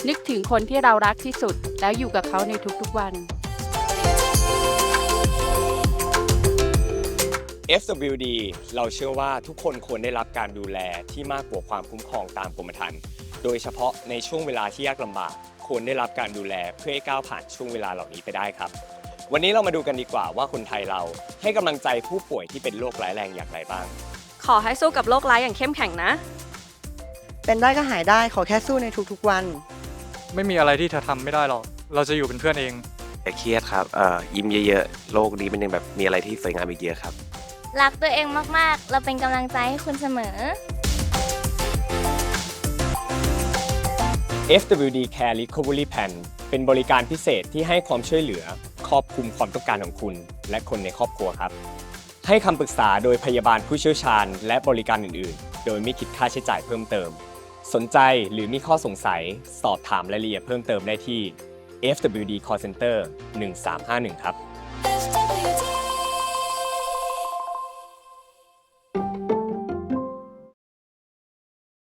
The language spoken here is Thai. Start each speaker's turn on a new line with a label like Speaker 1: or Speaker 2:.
Speaker 1: นึกถึงคนที่เรารักที่สุดแล้วอยู่กับเขาในทุกๆวัน
Speaker 2: FWD เราเชื่อว่าทุกคนควรได้รับการดูแลที่มากกว่าความคุ้มครองตามกรมธรรม์โดยเฉพาะในช่วงเวลาที่ยากลำบากควรได้รับการดูแลเพื่อให้ก้าวผ่านช่วงเวลาเหล่านี้ไปได้ครับวันนี้เรามาดูกันดีกว่าว่าคนไทยเราให้กำลังใจผู้ป่วยที่เป็นโรคร้ายแรงอย่างไรบ้าง
Speaker 3: ขอให้สู้กับโรคร้ายอย่างเข้มแข็งนะ
Speaker 4: เป็นได้ก็หายได้ขอแค่สู้ในทุกๆวัน
Speaker 5: ไม่มีอะไรที่เธอทำไม่ได้หรอก เราจะอยู่เป็นเพื่อนเอง
Speaker 6: อย่าเครียดครับยิ้มเยอะๆ โลกนี้มันยังแบบมีอะไรที่สวยงามอีกเยอะครับ
Speaker 7: รักตัวเองมากๆ เราเป็นกำลังใจให้คุณเสมอ
Speaker 2: FWD Care Recovery Plan เป็นบริการพิเศษที่ให้ความช่วยเหลือครอบคลุมความต้องการของคุณและคนในครอบครัวครับให้คำปรึกษาโดยพยาบาลผู้เชี่ยวชาญและบริการอื่นๆ โดยไม่คิดค่าใช้จ่ายเพิ่มเติมสนใจหรือมีข้อสงสัยสอบถามรายละเอียดเพิ่มเติมได้ที่ FWD Call Center 1351ครับ